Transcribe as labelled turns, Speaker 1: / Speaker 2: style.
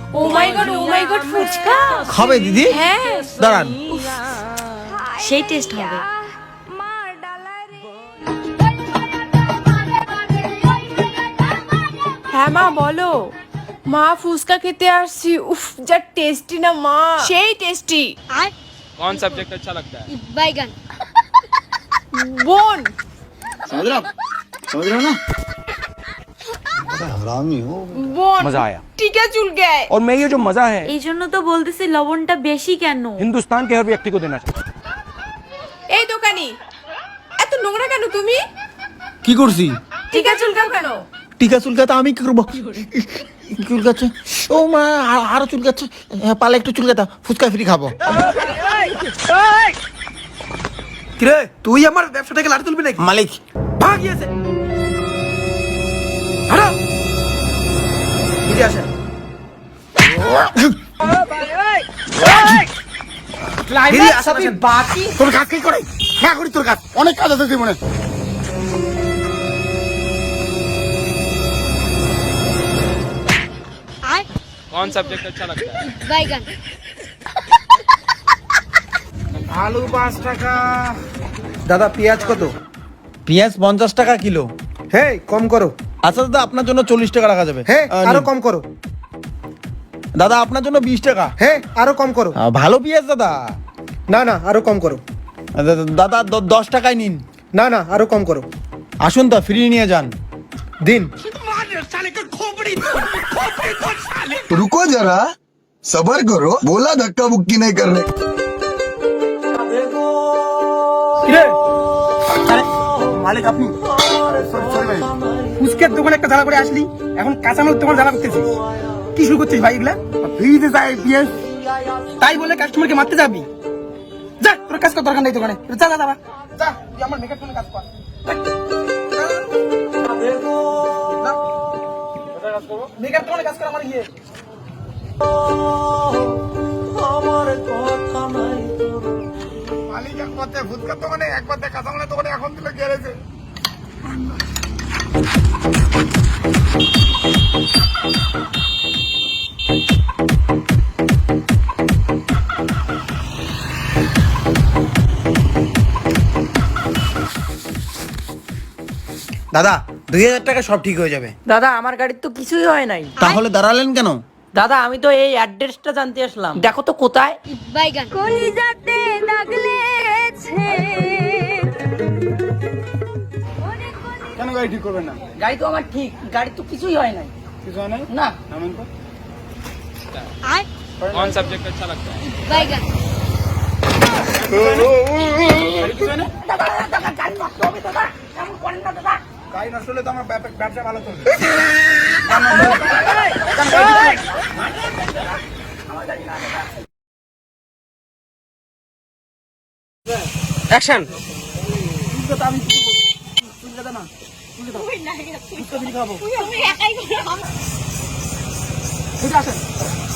Speaker 1: ও মাই god fuchka
Speaker 2: খাবে দিদি?
Speaker 1: হ্যাঁ
Speaker 2: দাঁড়ান।
Speaker 1: সেই টেস্ট হবে।
Speaker 3: হ্যাঁ মা বলো। মা ফুচকা খেতে আসছি, উফ যা টেস্টি না মা, সেই টেস্টি।
Speaker 4: कौन सब्जेक्ट अच्छा लगता है?
Speaker 5: बैगन।
Speaker 3: বোন
Speaker 2: समझ रहे हो ना? हरामी हो।
Speaker 3: বোন
Speaker 6: मजा आया।
Speaker 3: টিকা চুলকায়।
Speaker 6: और मैं ये जो मजा है
Speaker 1: এই জন্য তো বলতেছি লবণটা বেশি কেন।
Speaker 6: हिंदुस्तान के हर व्यक्ति को देना चाहिए।
Speaker 3: এই দোকানি, এত নোংরা কেন তুমি?
Speaker 2: কি করছি?
Speaker 3: টিকা চুলকাও কেন?
Speaker 2: টিকা চুলকাতে আমি কি করবো? চুলকাচ্ছে, ও মা আরো চুলকাচ্ছে, পালে একটু চুলকাতা, ফুচকা ফ্রি খাবো।
Speaker 7: কিরে তুই আমার ব্যবসাটাকে লাড়ি তুলবি নাকি?
Speaker 2: মালিক
Speaker 7: ভাগিয়েছে। হাঁটো। নিজে আসেন। বেরিয়ে আসেন, আসেন।
Speaker 2: তোর কাজ কি করে? না করি তোর কাজ, অনেক কাজ আছে জীবনে।
Speaker 4: कौन सब्जेक्ट अच्छा लगता है?
Speaker 5: बैगन।
Speaker 7: আলু 5 টাকা। দাদা পেঁয়াজ কত?
Speaker 2: পেঁয়াজ 50 টাকা কিলো।
Speaker 7: হে কম করো।
Speaker 2: আচ্ছা দাদা, আপনার জন্য 40 টাকা রাখা যাবে।
Speaker 7: হে আরো
Speaker 2: নিন।
Speaker 7: কম করো।
Speaker 2: দাদা আপনার জন্য 20 টাকা।
Speaker 7: হে আরো কম করো।
Speaker 2: ভালো পেঁয়াজ দাদা।
Speaker 7: না না আরো কম করো।
Speaker 2: দাদা 10 টাকায় নিন।
Speaker 7: না না আরো কম করো।
Speaker 2: আসুন তো, ফ্রি নিয়ে যান।
Speaker 7: দিন।
Speaker 8: रुको जरा सबर करो, बोला धक्का मुक्की नहीं करने।
Speaker 7: কিরে আরে মালিক আপনি? সরি ভাই, ফুচকার দোকানে একটা জ্বালা করে আসলি, এখন কাঁচামাল তোমার জ্বালা করতেছিস। কি শুরু করছিস ভাই এগুলা? ফ্রিতে যাই পিএস তাই বলে কাস্টমারকে মারতে যাবি? যা তোর কাজ কর, দরকার নেই দোকানে। যা যা যা যা, তুই আমার মেকআপ কাজ কর। মেকআপ দোকানে কাজ কর আমার গিয়ে। মালিক এক পথে ফুচকার দোকানে, এক পথে কাঁচামালের দোকানে, এখন দিলে গেড়েছে।
Speaker 2: দাদা 2000 টাকা সব ঠিক হয়ে যাবে।
Speaker 9: দাদা আমার গাড়ির তো কিছুই হয় নাই।
Speaker 2: তাহলে দাঁড়ালেন কেন?
Speaker 9: দাদা আমি তো এই অ্যাড্রেসটা জানতে আসলাম, দেখো তো কোথায়।
Speaker 5: बैगन। কলিজাতে দাগ লেগেছে।
Speaker 7: কেন গাড়ি ঠিক করবেন না?
Speaker 9: গাড়ি তো আমার ঠিক, গাড়ি তো কিছুই হয় নাই।
Speaker 7: কিছু হয় নাই?
Speaker 9: না
Speaker 7: নামেন তো।
Speaker 4: कौन सब्जेक्ट अच्छा लगता है?
Speaker 5: बैगन।
Speaker 7: গাড়ি নষ্ট হলে তো আমার ব্যবসা ভালো চলবে। অ্যাকশন। ঠিক আছে